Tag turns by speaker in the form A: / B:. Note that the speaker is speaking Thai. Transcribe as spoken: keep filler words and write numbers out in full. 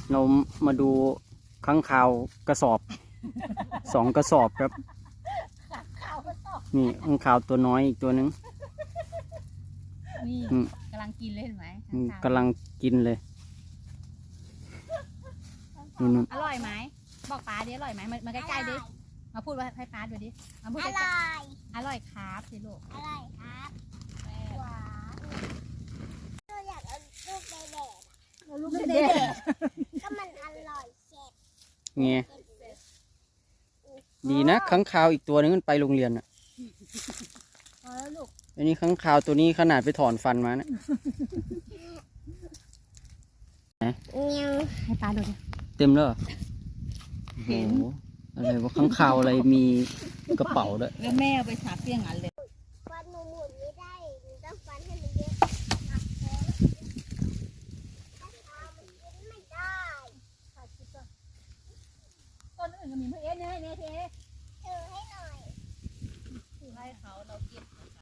A: เรามาดูค้างคาวกระสอบสองกระสอบครับนี่ค้างคาวตัวน้อยอีกตัวนึง
B: นี่กำลังกินเลยเห็นไหม
A: กำลังกินเลยนู่น
B: อร่อยไหมบอกป้าดิอร่อยไหมมาใกล้ๆดิมาพูดว่าให้ป้าดูดิมาพูด
C: อ
B: ใก
C: ร่
B: ล้
C: อย
B: ๆอร่อยครับสิลูก
C: อร่อยครับหวานเราอยากเอาลูกเด็กๆ
B: ลูกเด็ก
C: ก็มันอร่อยเช็ด
A: ไงดีนะค้างคาวอีกตัวนึงมันไปโรงเรียนอ่ะ
B: พอแล้วลูก
A: อันนี้ค้างคาวตัวนี้ขนาดไปถอนฟันมานะ
C: ยัง
B: ให้ป้าดูดิ
A: เต็มแล้วเหรอโอ้โหอะไรวะค้างคาวอะไรมีกระเป๋าด้วย
B: แล้วแม่เอาไปฉาบเปี้ยงอันเลย
C: ฟันหนูหมุนไม่ได้หนูต้องฟันให้มันเยอะไม่ได้
B: ต้นอื่นก็มีเพื่อนเนี่ยเนี่ยเท